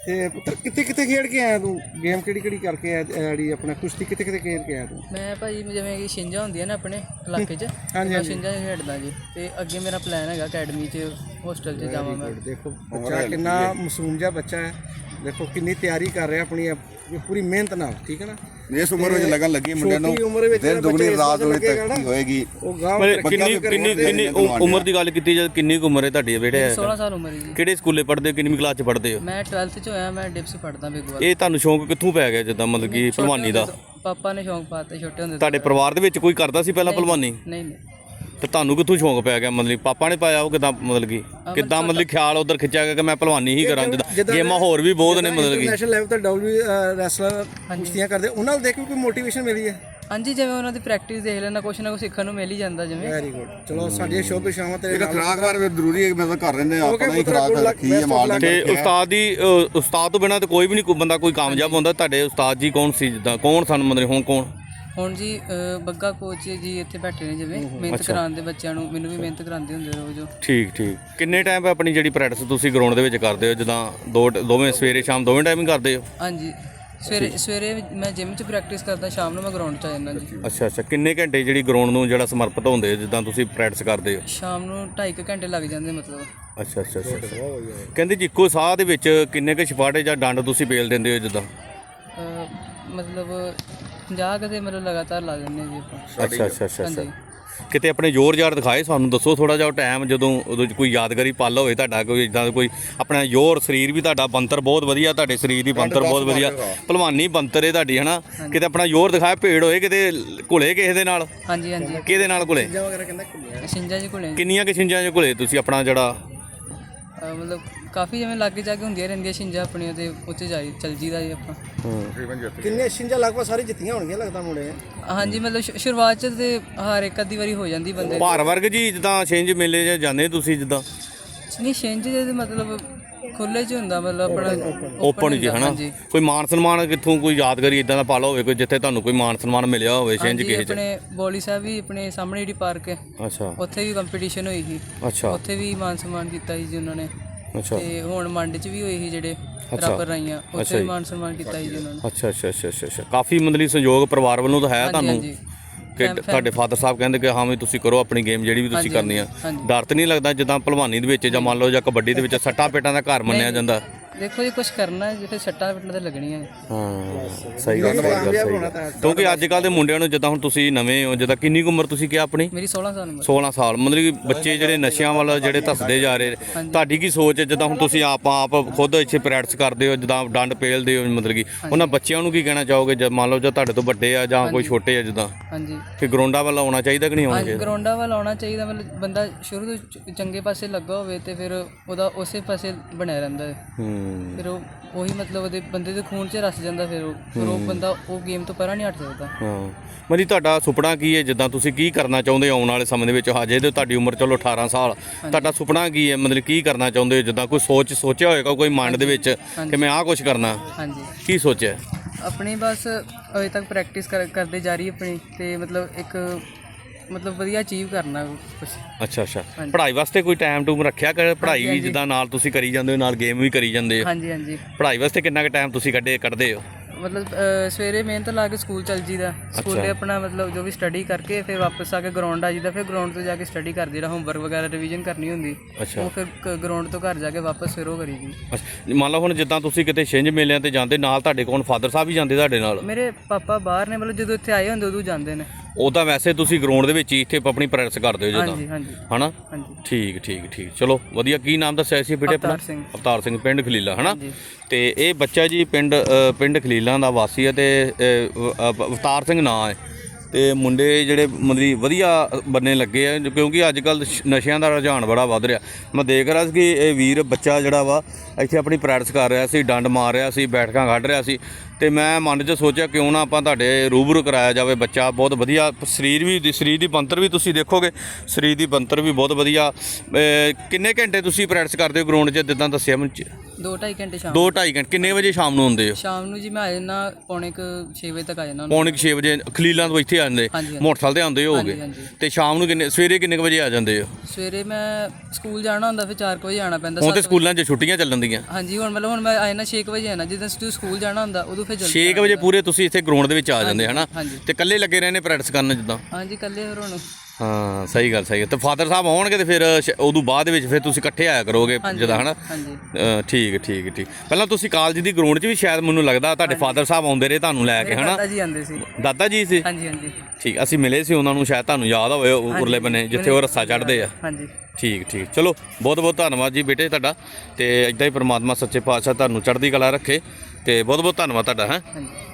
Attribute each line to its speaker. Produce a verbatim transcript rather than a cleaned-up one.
Speaker 1: ਤੇ ਪੁੱਤਰ ਕਿੱਥੇ ਕਿੱਥੇ ਖੇਡ ਕੇ ਆਇਆ ਤੂੰ? ਗੇਮ ਕਿਹੜੀ ਕਿਹੜੀ ਕਰਕੇ ਆਇਆ ਜਿਹੜੀ ਆਪਣਾ ਕੁਸ਼ਤੀ ਕਿੱਥੇ ਕਿੱਥੇ ਖੇਡ ਕੇ ਆਇਆ ਤੂੰ?
Speaker 2: ਮੈਂ ਭਾਜੀ ਜਿਵੇਂ ਕਿ ਛਿੰਝਾਂ ਹੁੰਦੀਆਂ ਨਾ ਆਪਣੇ ਇਲਾਕੇ 'ਚ, ਮੈਂ ਛਿੰਝਾਂ 'ਚ ਖੇਡਦਾ ਜੀ। ਤੇ ਅੱਗੇ ਮੇਰਾ ਪਲਾਨ ਹੈਗਾ ਅਕੈਡਮੀ 'ਚ ਹੋਸਟਲ 'ਚ ਜਾਵਾਂ ਮੈਂ।
Speaker 1: ਦੇਖੋ ਬੱਚਾ ਕਿੰਨਾ ਮਾਸੂਮ ਜਿਹਾ ਬੱਚਾ ਹੈ, ਦੇਖੋ ਕਿੰਨੀ ਤਿਆਰੀ ਕਰ ਰਿਹਾ ਆਪਣੀ ਪੂਰੀ ਮਿਹਨਤ ਨਾਲ, ਠੀਕ ਹੈ ਨਾ।
Speaker 3: ਇਸ ਉਮਰ ਵਿੱਚ ਲੱਗਣ ਲੱਗੀ ਮੁੰਡਿਆਂ ਨੂੰ, ਦਿਨ ਦੁਗਣੀ ਰਾਤ ਹੋਏ ਤੱਕ ਹੋਏਗੀ।
Speaker 4: ਕਿੰਨੀ ਕਿੰਨੀ ਕਿੰਨੀ ਉਮਰ ਦੀ ਗੱਲ ਕੀਤੀ ਜਦ ਕਿੰਨੀ ਕੁ ਉਮਰ ਹੈ ਤੁਹਾਡੀ ਬੇਟੇ?
Speaker 2: ਸੋਲਾਂ ਸਾਲ ਉਮਰ ਹੈ ਜੀ।
Speaker 4: ਕਿਹੜੇ ਸਕੂਲੇ ਪੜ੍ਹਦੇ ਹੋ, ਕਿੰਨੀ ਕਲਾਸ 'ਚ ਪੜ੍ਹਦੇ ਹੋ?
Speaker 2: ਮੈਂ ਟਵੈਲਥ 'ਚ ਹੋਇਆ, ਮੈਂ ਡਿਪਸ ਪੜ੍ਹਦਾ ਬਿਗਵਾਲ।
Speaker 4: ਇਹ ਤੁਹਾਨੂੰ ਸ਼ੌਂਕ ਕਿੱਥੋਂ ਪੈ ਗਿਆ ਜਿੱਦਾਂ ਮਤਲਬ ਕਿ ਭਲਵਾਨੀ ਦਾ?
Speaker 2: ਪਾਪਾ ਨੇ ਸ਼ੌਂਕ ਪਾਤਾ ਛੋਟੇ ਹੁੰਦੇ।
Speaker 4: ਤੁਹਾਡੇ ਪਰਿਵਾਰ ਦੇ ਵਿੱਚ ਕੋਈ ਕਰਦਾ ਸੀ ਪਹਿਲਾਂ ਭਲਵਾਨੀ?
Speaker 2: ਨਹੀਂ ਨਹੀਂ।
Speaker 4: ਤੇ ਤੁਹਾਨੂੰ ਕਿੱਥੋਂ ਸ਼ੌਂਕ ਪੈ ਗਿਆ? ਮਤਲਬ ਪਾਪਾ ਨੇ ਪਾਇਆ? ਉਹ ਕਿੱਦਾਂ ਮਤਲਬ ਕਿ ਕਿੱਦਾਂ ਮਤਲਬ ਖਿਆਲ ਉਧਰ ਖਿੱਚਿਆ ਗਿਆ ਕਿ ਮੈਂ ਭਲਵਾਨੀ ਹੀ ਕਰਾਂ? ਜਿੱਦਾਂ ਗੇਮਾਂ ਹੋਰ ਵੀ ਬਹੁਤ ਨੇ ਮਤਲਬ ਕਿ
Speaker 1: ਨੈਸ਼ਨਲ ਲੈਵਲ ਤੇ ਡਬਲਯੂ ਰੈਸਲਰ ਕੁਸ਼ਤੀਆਂ ਕਰਦੇ, ਉਹਨਾਂ ਨੂੰ ਦੇਖ ਕੇ ਕੋਈ ਮੋਟੀਵੇਸ਼ਨ ਮਿਲੀ ਹੈ?
Speaker 2: ਹਾਂਜੀ, ਜਿਵੇਂ ਉਹਨਾਂ ਦੀ ਪ੍ਰੈਕਟਿਸ ਦੇਖ ਲੈਣਾ, ਕੁਛ ਨਾ ਕੁਛ ਸਿੱਖਣ ਨੂੰ ਮਿਲ ਹੀ ਜਾਂਦਾ ਜਿਵੇਂ।
Speaker 1: Very good. ਚਲੋ ਸਾਡੀਆਂ ਸ਼ੋਭ ਸ਼ਾਮਾਂ ਤੇਰੇ
Speaker 3: ਇਹਦਾ ਖੁਰਾਕ ਬਾਰੇ ਜ਼ਰੂਰੀ ਹੈ, ਮਤਲਬ ਕਰ ਰਹਿੰਦੇ ਆਪਣਾ ਹੀ ਖੁਰਾਕ ਰੱਖੀ ਹੈ ਮਾਲ
Speaker 4: ਤੇ ਉਸਤਾਦ ਦੀ ਅ, ਉਸਤਾਦ ਤੋਂ ਬਿਨਾਂ ਤਾਂ ਕੋਈ ਵੀ ਨਹੀਂ ਬੰਦਾ ਕੋਈ ਕਾਮਯਾਬ ਹੁੰਦਾ। ਤੁਹਾਡੇ ਉਸਤਾਦ ਜੀ ਕੌਣ ਸੀ? ਜਿੱਦਾਂ ਕੌਣ ਸਨ ਮਤਲਬ ਹੁਣ ਕੌਣ?
Speaker 2: ਹੁਣ ਜੀ ਬੱਗਾ ਕੋਚ ਜੀ ਇੱਥੇ ਬੈਠੇ ਨੇ, ਜਿਵੇਂ ਮਿਹਨਤ ਕਰਾਉਂਦੇ ਬੱਚਿਆਂ ਨੂੰ, ਮੈਨੂੰ ਵੀ ਮਿਹਨਤ ਕਰਾਉਂਦੇ ਹੁੰਦੇ ਰੋਜ਼।
Speaker 4: ਠੀਕ ਠੀਕ। ਕਿੰਨੇ ਟਾਈਮ ਆਪਣੀ ਜਿਹੜੀ ਪ੍ਰੈਕਟਿਸ ਤੁਸੀਂ ਗਰਾਊਂਡ ਦੇ ਵਿੱਚ ਕਰਦੇ ਹੋ? ਜਿੱਦਾਂ ਦੋ ਦੋਵੇਂ ਸਵੇਰੇ ਸ਼ਾਮ ਦੋਵੇਂ ਟਾਈਮ ਹੀ ਕਰਦੇ ਹੋ?
Speaker 2: ਹਾਂਜੀ, ਸਵੇਰੇ ਸਵੇਰੇ ਮੈਂ ਜਿਮ 'ਚ ਪ੍ਰੈਕਟਿਸ ਕਰਦਾ, ਸ਼ਾਮ ਨੂੰ ਮੈਂ ਗਰਾਊਂਡ 'ਚ ਆ ਜਾਂਦਾ ਜੀ।
Speaker 4: ਅੱਛਾ ਅੱਛਾ। ਕਿੰਨੇ ਘੰਟੇ ਜਿਹੜੀ ਗਰਾਊਂਡ ਨੂੰ ਜਿਹੜਾ ਸਮਰਪਿਤ ਹੁੰਦੇ ਜਿੱਦਾਂ ਤੁਸੀਂ ਪ੍ਰੈਕਟਿਸ ਕਰਦੇ ਹੋ?
Speaker 2: ਸ਼ਾਮ ਨੂੰ ਢਾਈ ਕੁ ਘੰਟੇ ਲੱਗ ਜਾਂਦੇ ਮਤਲਬ।
Speaker 4: ਅੱਛਾ ਅੱਛਾ ਅੱਛਾ। ਕਹਿੰਦੇ ਜੀ ਇੱਕੋ ਸਾਹ ਦੇ ਵਿੱਚ ਕਿੰਨੇ ਕੁ ਛਪਾਟੇ ਜਾਂ ਡੰਡ ਤੁਸੀਂ ਪੇਲ ਦਿੰਦੇ ਹੋ ਜਿੱਦਾਂ?
Speaker 2: ਮਤਲਬ ਪੰਜਾਹ ਕਦੇ ਮਤਲਬ ਲਗਾਤਾਰ ਲਾ ਦਿੰਦੇ ਜੀ ਆਪਾਂ।
Speaker 4: ਅੱਛਾ ਅੱਛਾ ਅੱਛਾ ਅੱਛਾ। ਕਿਤੇ ਆਪਣੇ ਜ਼ੋਰ ਜ਼ਾਰ ਦਿਖਾਏ ਸਾਨੂੰ, ਦੱਸੋ ਥੋੜਾ ਜਿਹਾ ਟਾਈਮ ਜਦੋਂ ਉਦੋਂ ਕੋਈ ਯਾਦਗਾਰੀ ਪਲ ਹੋਵੇ ਤੁਹਾਡਾ, ਕੋਈ ਇਦਾਂ ਦਾ ਕੋਈ ਆਪਣਾ ਜ਼ੋਰ? ਸਰੀਰ ਵੀ ਤੁਹਾਡਾ ਬੰਤਰ ਬਹੁਤ ਵਧੀਆ, ਤੁਹਾਡੇ ਸਰੀਰ ਦੀ ਬੰਤਰ ਬਹੁਤ ਵਧੀਆ, ਭਲਵਾਨੀ ਬੰਤਰ ਹੈ ਤੁਹਾਡੀ, ਹਨਾ। ਕਿਤੇ ਆਪਣਾ ਜ਼ੋਰ ਦਿਖਾਇਆ, ਭੇੜ ਹੋਏ ਕਿਤੇ ਘੁਲੇ ਕਿਸੇ ਦੇ ਨਾਲ?
Speaker 2: ਹਾਂਜੀ ਹਾਂਜੀ।
Speaker 4: ਕਿਹਦੇ ਨਾਲ ਘੁਲੇ?
Speaker 2: ਛਿੰਝਾਂ ਜੀ ਘੁਲੇ।
Speaker 4: ਕਿੰਨੀਆਂ ਕਿ ਛਿੰਝਾਂ 'ਚ ਘੁਲੇ ਤੁਸੀਂ ਆਪਣਾ ਜਿਹੜਾ?
Speaker 2: ਮਤਲਬ ਕਾਫੀ ਜਿਵੇਂ ਲਾਗੇ ਜਾ ਕੇ ਹੁੰਦੀਆਂ ਰਹਿੰਦੀਆਂ ਛਿੰਝਾਂ ਆਪਣੀਆਂ, ਤੇ ਉੱਥੇ ਜਾਈ ਚੱਲ ਜੀਦਾ ਜੀ ਆਪਾਂ।
Speaker 1: ਕਿੰਨੇ ਛਿੰਝਾਂ ਲਗਭਗ ਸਾਰੀ ਜਿੱਤੀਆਂ ਹੋਣਗੀਆਂ ਲੱਗਦਾ ਮੁੰਡੇ?
Speaker 2: ਹਾਂਜੀ, ਮਤਲਬ ਸ਼ੁਰੂਆਤ 'ਚ ਤੇ ਹਰ ਇੱਕ ਅੱਧੀ ਵਾਰੀ ਹੋ ਜਾਂਦੀ ਬੰਦੇ।
Speaker 4: ਭਾਰ ਵਰਗ ਜੀ ਜਿੱਦਾਂ ਛਿੰਝ ਮੇਲੇ 'ਚ ਜਾਂਦੇ ਤੁਸੀਂ ਜਿੱਦਾਂ?
Speaker 2: ਨਹੀਂ, ਛਿੰਝ ਦੇ ਮਤਲਬ ਖੁੱਲੇ 'ਚ ਹੁੰਦਾ, ਮਤਲਬ ਆਪਣਾ
Speaker 4: ਓਪਨ ਜੀ, ਹਨਾ। ਕੋਈ ਮਾਨ ਸਨਮਾਨ ਕਿੱਥੋਂ ਕੋਈ ਯਾਦਗਾਰੀ ਇਦਾਂ ਦਾ ਪਾਲਾ ਹੋਵੇ ਕੋਈ ਜਿੱਥੇ ਤੁਹਾਨੂੰ ਕੋਈ ਮਾਨ ਸਨਮਾਨ ਮਿਲਿਆ ਹੋਵੇ ਛਿੰਝ ਕਿਸੇ 'ਚ?
Speaker 2: ਆਪਣੇ ਬੋਲੀ ਸਾਹਿਬ ਵੀ ਆਪਣੇ ਸਾਹਮਣੇ ਜਿਹੜੀ ਪਾਰਕ ਹੈ,
Speaker 4: ਅੱਛਾ,
Speaker 2: ਉੱਥੇ ਵੀ ਕੰਪੀਟੀਸ਼ਨ ਹੋਈ ਸੀ।
Speaker 4: ਅੱਛਾ,
Speaker 2: ਉੱਥੇ ਵੀ ਮਾਨ ਸਨਮਾਨ ਕੀਤਾ ਸੀ ਜੀ ਉਹਨਾਂ ਨੇ।
Speaker 4: ਅੱਛਾ।
Speaker 2: ਤੇ ਹੁਣ ਮੰਡ 'ਚ ਵੀ ਹੋਈ ਸੀ ਜਿਹੜੇ ਰੱਬ ਰਾਈਆਂ, ਉੱਥੇ ਵੀ ਮਾਨ ਸਨਮਾਨ ਕੀਤਾ ਸੀ ਜੀ ਉਹਨਾਂ ਨੇ।
Speaker 4: ਅੱਛਾ ਅੱਛਾ ਅੱਛਾ ਅੱਛਾ। ਕਾਫੀ ਮਤਲਬ ਸਹਿਯੋਗ ਪਰਿਵਾਰ ਵੱਲੋਂ ਤਾਂ ਹੈ ਤੁਹਾਨੂੰ ਕਿ ਤੁਹਾਡੇ ਫਾਦਰ ਸਾਹਿਬ ਕਹਿੰਦੇ ਕਿ ਹਾਂ ਵੀ ਤੁਸੀਂ ਕਰੋ ਆਪਣੀ ਗੇਮ ਜਿਹੜੀ ਵੀ ਤੁਸੀਂ ਕਰਨੀ ਆ? ਡਰ ਤਾਂ ਨਹੀਂ ਲੱਗਦਾ ਜਿੱਦਾਂ ਭਲਵਾਨੀ ਦੇ ਵਿੱਚ ਜਾਂ ਮੰਨ ਲਓ ਜਾਂ ਕਬੱਡੀ ਦੇ ਵਿੱਚ ਸੱਟਾਂ ਪੇਟਾਂ ਦਾ ਘਰ ਮੰਨਿਆ ਜਾਂਦਾ?
Speaker 2: ਦੇਖੋ ਜੀ, ਕੁਛ ਕਰਨਾ ਜੇ ਫਿਰ ਸੱਟਾਂ ਪਿੱਟਾਂ ਤੇ ਲੱਗਣੀਆਂ।
Speaker 4: ਹਾਂ, ਸਹੀ ਗੱਲ ਹੈ। ਕਿਉਂਕਿ ਅੱਜ ਕੱਲ੍ਹ ਦੇ ਮੁੰਡਿਆਂ ਨੂੰ ਜਿੱਦਾਂ ਹੁਣ ਤੁਸੀਂ ਨਵੇਂ ਹੋ, ਜਿੱਦਾਂ ਕਿੰਨੀ ਕੁ ਉਮਰ ਤੁਸੀਂ ਕਿਹਾ ਆਪਣੀ?
Speaker 2: ਮੇਰੀ ਸੋਲਾਂ ਸਾਲ ਉਮਰ।
Speaker 4: ਸੋਲਾਂ ਸਾਲ। ਮਤਲਬ ਕਿ ਬੱਚੇ ਜਿਹੜੇ ਨਸ਼ਿਆਂ ਵੱਲ ਜਿਹੜੇ ਧੱਸਦੇ ਜਾ ਰਹੇ, ਤੁਹਾਡੀ ਕੀ ਸੋਚ ਹੈ? ਜਿੱਦਾਂ ਹੁਣ ਤੁਸੀਂ ਆਪ ਆਪ ਖੁਦ ਇੱਥੇ ਪ੍ਰੈਕਟਿਸ ਕਰਦੇ ਹੋ, ਜਿੱਦਾਂ ਡੰਡ ਪੇਲਦੇ ਹੋ, ਮਤਲਬ ਕਿ ਉਹਨਾਂ ਬੱਚਿਆਂ ਨੂੰ ਕੀ ਕਹਿਣਾ ਚਾਹੋਗੇ ਜਦ ਮੰਨ ਲਓ ਜਾਂ ਤੁਹਾਡੇ ਤੋਂ ਵੱਡੇ ਆ ਜਾਂ ਕੋਈ ਛੋਟੇ ਆ ਜਿੱਦਾਂ?
Speaker 2: ਹਾਂਜੀ,
Speaker 4: ਕਿ ਗਰਾਊਂਡਾਂ ਵੱਲ ਆਉਣਾ ਚਾਹੀਦਾ ਕਿ ਨਹੀਂ ਆਉਣਾ ਚਾਹੀਦਾ?
Speaker 2: ਗਰਾਊਂਡਾਂ ਵੱਲ ਆਉਣਾ ਚਾਹੀਦਾ। ਮਤਲਬ ਬੰਦਾ ਸ਼ੁਰੂ ਤੋਂ ਚੰਗੇ ਪਾਸੇ ਲੱਗਾ ਹੋਵੇ ਤੇ ਫਿਰ ਉਹਦਾ ਉਸੇ ਪਾਸੇ ਬਣਿਆ ਰਹਿੰਦਾ ਹੈ।
Speaker 4: ਹੂੰ।
Speaker 2: ਫਿਰ ਉਹ ਉਹੀ ਮਤਲਬ ਉਹਦੇ ਬੰਦੇ ਦੇ ਖੂਨ 'ਚ ਰਸ ਜਾਂਦਾ, ਫਿਰ ਉਹ ਫਿਰ ਉਹ ਬੰਦਾ ਉਹ ਗੇਮ ਤੋਂ ਪਰਾਂ ਨਹੀਂ ਹਟ ਸਕਦਾ।
Speaker 4: ਹਾਂ। ਮਤਲਬ ਤੁਹਾਡਾ ਸੁਪਨਾ ਕੀ ਹੈ? ਜਿੱਦਾਂ ਤੁਸੀਂ ਕੀ ਕਰਨਾ ਚਾਹੁੰਦੇ ਹੋ ਆਉਣ ਵਾਲੇ ਸਮੇਂ ਦੇ ਵਿੱਚ? ਹਜੇ ਤੇ ਤੁਹਾਡੀ ਉਮਰ ਚਲੋ ਅਠਾਰਾਂ ਸਾਲ, ਤੁਹਾਡਾ ਸੁਪਨਾ ਕੀ ਹੈ? ਮਤਲਬ ਕੀ ਕਰਨਾ ਚਾਹੁੰਦੇ ਹੋ? ਜਿੱਦਾਂ ਕੋਈ ਸੋਚ ਸੋਚਿਆ ਹੋਏਗਾ ਕੋਈ ਮਾਈਂਡ ਦੇ ਵਿੱਚ ਕਿ ਮੈਂ ਆਹ ਕੁਛ ਕਰਨਾ?
Speaker 2: ਹਾਂਜੀ।
Speaker 4: ਕੀ ਸੋਚਿਆ?
Speaker 2: ਆਪਣੀ ਬਸ ਅਜੇ ਤੱਕ ਪ੍ਰੈਕਟਿਸ ਕਰ ਕਰਦੇ ਜਾ ਰਹੀ ਆਪਣੀ, ਤੇ ਮਤਲਬ ਇੱਕ ਮਤਲਬ ਵਧੀਆ ਅਚੀਵ ਕਰਨਾ ਕੁਛ।
Speaker 4: ਅੱਛਾ ਅੱਛਾ। ਪੜ੍ਹਾਈ ਵਾਸਤੇ ਕੋਈ ਟਾਈਮ ਟੂਮ ਰੱਖਿਆ ਕਰ? ਪੜ੍ਹਾਈ ਵੀ ਜਿੱਦਾਂ ਨਾਲ ਤੁਸੀਂ ਕਰੀ ਜਾਂਦੇ ਹੋ, ਨਾਲ ਗੇਮ ਵੀ ਕਰੀ ਜਾਂਦੇ ਹੋ?
Speaker 2: ਹਾਂਜੀ ਹਾਂਜੀ।
Speaker 4: ਪੜ੍ਹਾਈ ਵਾਸਤੇ ਕਿੰਨਾ ਕੁ ਟਾਈਮ ਤੁਸੀਂ ਕੱਢੇ ਕੱਢਦੇ ਹੋ?
Speaker 2: ਮਤਲਬ ਸਵੇਰੇ ਮਿਹਨਤ ਲਾ ਕੇ ਸਕੂਲ ਚੱਲ ਜੀਦਾ, ਸਕੂਲੇ ਆਪਣਾ ਮਤਲਬ ਜੋ ਵੀ ਸਟੱਡੀ ਕਰਕੇ ਫਿਰ ਵਾਪਸ ਆ ਕੇ ਗਰਾਊਂਡ ਆ ਜੀਦਾ, ਫਿਰ ਗਰਾਊਂਡ ਤੋਂ ਜਾ ਕੇ ਸਟੱਡੀ ਕਰਦੇ, ਜਿਹੜਾ ਹੋਮਵਰਕ ਵਗੈਰਾ ਰਿਵੀਜ਼ਨ ਕਰਨੀ ਹੁੰਦੀ ਉਹ ਫਿਰ ਗਰਾਊਂਡ ਤੋਂ ਘਰ ਜਾ ਕੇ ਵਾਪਸ ਫਿਰ ਉਹ ਕਰੀ ਦੀ।
Speaker 4: ਅੱਛਾ। ਮੰਨ ਲਓ ਹੁਣ ਜਿੱਦਾਂ ਤੁਸੀਂ ਕਿਤੇ ਛਿੰਝ ਮੇਲਿਆਂ ਤੇ ਜਾਂਦੇ, ਨਾਲ ਤੁਹਾਡੇ ਕੋਲ ਫਾਦਰ ਸਾਹਿਬ ਵੀ ਜਾਂਦੇ ਤੁਹਾਡੇ ਨਾਲ?
Speaker 2: ਮੇਰੇ ਪਾਪਾ ਬਾਹਰ ਨੇ, ਮਤਲਬ ਜਦੋਂ ਇੱਥੇ ਆਏ ਹੁੰਦੇ ਉਦੋਂ ਜਾਂਦੇ ਨੇ।
Speaker 4: ਉਹ ਤਾਂ ਵੈਸੇ ਤੁਸੀਂ ਗਰਾਊਂਡ ਦੇ ਵਿੱਚ ਹੀ ਇੱਥੇ ਆਪਣੀ ਪ੍ਰੈਕਟਿਸ ਕਰਦੇ ਹੋ ਜਿੱਦਾਂ?
Speaker 2: ਹਾਂਜੀ ਹਾਂਜੀ।
Speaker 4: ਹਨਾ? ਹਾਂਜੀ। ਠੀਕ ਠੀਕ ਠੀਕ। ਚਲੋ ਵਧੀਆ। ਕੀ ਨਾਮ ਦੱਸਿਆ ਸੀ ਬੇਟੇ ਆਪਣਾ? ਅਵਤਾਰ ਸਿੰਘ, ਪਿੰਡ ਖਲੀਲਾ, ਹਨਾ? ਤੇ ਇਹ ਬੱਚਾ ਜੀ ਪਿੰਡ ਪਿੰਡ ਖਲੀਲਾ ਦਾ ਵਾਸੀ ਹੈ ਤੇ ਅਵਤਾਰ ਸਿੰਘ ਨਾਂ ਹੈ। ਤੇ ਮੁੰਡੇ ਜਿਹੜੇ ਮਤਲਬ ਵਧੀਆ ਬੰਨੇ ਲੱਗੇ ਆ, ਕਿਉਂਕਿ ਅੱਜ ਕੱਲ੍ਹ ਨਸ਼ਿਆਂ ਦਾ ਰੁਝਾਨ ਬੜਾ ਵੱਧ ਰਿਹਾ। ਮੈਂ ਦੇਖ ਰਿਹਾ ਸੀ ਕਿ ਇਹ ਵੀਰ ਬੱਚਾ ਜਿਹੜਾ ਵਾ ਇੱਥੇ ਆਪਣੀ ਪ੍ਰੈਕਟਿਸ ਕਰ ਰਿਹਾ ਸੀ, ਡੰਡ ਮਾਰ ਰਿਹਾ ਸੀ, ਬੈਠਕਾਂ ਕੱਢ ਰਿਹਾ ਸੀ। ਤੇ ਮੈਂ ਮਨ 'ਚ ਸੋਚਿਆ ਕਿਉਂ ਨਾ ਆਪਾਂ ਤੁਹਾਡੇ ਰੂਬਰੂ ਕਰਾਇਆ ਜਾਵੇ ਬੱਚਾ ਬਹੁਤ ਵਧੀਆ ਸਰੀਰ ਵੀ ਸਰੀਰ ਦੀ ਬਣਤਰ ਵੀ ਤੁਸੀਂ ਦੇਖੋਗੇ ਸਰੀਰ ਦੀ ਬਣਤਰ ਵੀ ਬਹੁਤ ਵਧੀਆ। ਅਹ ਕਿੰਨੇ ਘੰਟੇ ਤੁਸੀਂ ਪ੍ਰੈਕਟਿਸ ਕਰਦੇ ਹੋ ਗਰਾਊਂਡ 'ਚ ਜਿੱਦਾਂ ਦੱਸਿਆ ਮੈਨੂੰ
Speaker 2: ਦੋ ਢਾਈ ਘੰਟੇ ਸ਼ਾਮ
Speaker 4: ਦੋ ਢਾਈ ਘੰਟੇ ਕਿੰਨੇ ਵਜੇ ਸ਼ਾਮ ਨੂੰ ਆਉਂਦੇ ਹੋ?
Speaker 2: ਸ਼ਾਮ ਨੂੰ ਜੀ ਮੈਂ ਆ ਜਾਣਾ ਪੌਣੇ ਕੁ ਛੇ ਵਜੇ ਤੱਕ ਆ ਜਾਣਾ।
Speaker 4: ਪੌਣੇ ਕੁ ਛੇ ਵਜੇ ਖਲੀਲਾਂ ਤੋਂ ਇੱਥੇ ਆ ਜਾਂਦੇ
Speaker 2: ਹਾਂਜੀ, ਹਾਂਜੀ।
Speaker 4: ਮੋਟਰਸਾਈਕਲ ਤੇ ਆਉਂਦੇ ਹੋਗੇ
Speaker 2: ਹਾਂਜੀ, ਹਾਂਜੀ।
Speaker 4: ਤੇ ਸ਼ਾਮ ਨੂੰ ਕਿੰਨੇ ਸਵੇਰੇ ਕਿੰਨੇ ਕੁ ਵਜੇ ਆ ਜਾਂਦੇ ਹੋ?
Speaker 2: ਸਵੇਰੇ ਮੈਂ ਸਕੂਲ ਜਾਣਾ ਹੁੰਦਾ ਫਿਰ ਚਾਰ ਕੁ ਵਜੇ ਆਉਣਾ ਪੈਂਦਾ।
Speaker 4: ਹੁਣ ਤੇ
Speaker 2: ਸੱਤ
Speaker 4: ਸਕੂਲਾਂ 'ਚ ਛੁੱਟੀਆਂ ਚੱਲਣ ਦੀਆਂ।
Speaker 2: ਹਾਂਜੀ ਹੁਣ ਮਤਲਬ ਹੁਣ ਮੈਂ ਆ ਜਾਣਾ ਛੇ ਕੁ ਵਜੇ ਆਣਾ ਜਦੋਂ ਤੁਸੀਂ ਸਕੂਲ ਜਾਣਾ ਹੁੰਦਾ ਉਦੋਂ ਫਿਰ ਜਲਦੀ
Speaker 4: ਛੇ ਕੁ ਵਜੇ ਪੂਰੇ ਤੁਸੀਂ ਇੱਥੇ ਗਰਾਊਂਡ ਦੇ ਵਿੱਚ ਆ ਜਾਂਦੇ ਹਨਾ
Speaker 2: ਹਾਂਜੀ।
Speaker 4: ਤੇ ਇਕੱਲੇ ਲੱਗੇ ਰਹਿੰਦੇ ਪ੍ਰੈਕਟਿਸ ਕਰਨ ਜਿੱਦਾਂ?
Speaker 2: ਹਾਂਜੀ ਇਕੱਲੇ ਫਿਰ ਹੁਣ
Speaker 4: ਹਾਂ ਸਹੀ ਗੱਲ ਸਹੀ ਹੈ। ਤੇ ਫਾਦਰ ਸਾਹਿਬ ਆਉਣਗੇ ਤੇ ਫਿਰ ਸ਼- ਉਦੋਂ ਬਾਅਦ ਵਿੱਚ ਫਿਰ ਤੁਸੀਂ ਇਕੱਠੇ ਆਇਆ ਕਰੋਗੇ ਜਿੱਦਾਂ ਹਨਾ?
Speaker 2: ਹਾਂਜੀ
Speaker 4: ਅ, ਠੀਕ ਠੀਕ ਠੀਕ ਪਹਿਲਾਂ ਤੁਸੀਂ ਕਾਲਜ ਦੀ ਗਰਾਊਂਡ 'ਚ ਵੀ ਸ਼ਾਇਦ ਮੈਨੂੰ ਲੱਗਦਾ ਤੁਹਾਡੇ ਫਾਦਰ ਸਾਹਿਬ ਆਉਂਦੇ ਰਹੇ ਤੁਹਾਨੂੰ ਲੈ ਕੇ ਹਨਾ?
Speaker 2: ਦਾਦਾ ਜੀ ਆਉਂਦੇ ਸੀ।
Speaker 4: ਦਾਦਾ ਜੀ ਸੀ?
Speaker 2: ਹਾਂਜੀ ਹਾਂਜੀ
Speaker 4: ਠੀਕ ਅਸੀਂ ਮਿਲੇ ਸੀ ਉਹਨਾਂ ਨੂੰ ਸ਼ਾਇਦ ਤੁਹਾਨੂੰ ਯਾਦ ਹੋਵੇ ਉਹ ਉਰਲੇ ਬੰਨੇ ਜਿੱਥੇ ਉਹ ਰੱਸਾ ਚੜ੍ਹਦੇ ਆ।
Speaker 2: ਹਾਂਜੀ
Speaker 4: ਠੀਕ ਠੀਕ ਚਲੋ ਬਹੁਤ ਬਹੁਤ ਧੰਨਵਾਦ ਜੀ ਬੇਟੇ ਤੁਹਾਡਾ ਤੇ ਇਦਾਂ ਹੀ ਪ੍ਰਮਾਤਮਾ ਸੱਚੇ ਪਾਤਸ਼ਾਹ ਤੁਹਾਨੂੰ ਚੜ੍ਹਦੀ ਕਲਾ ਰੱਖੇ ਤੇ ਬਹੁਤ ਬਹੁਤ ਧੰਨਵਾਦ ਤੁਹਾਡਾ ਹੈਂ
Speaker 2: ਹਾਂਜੀ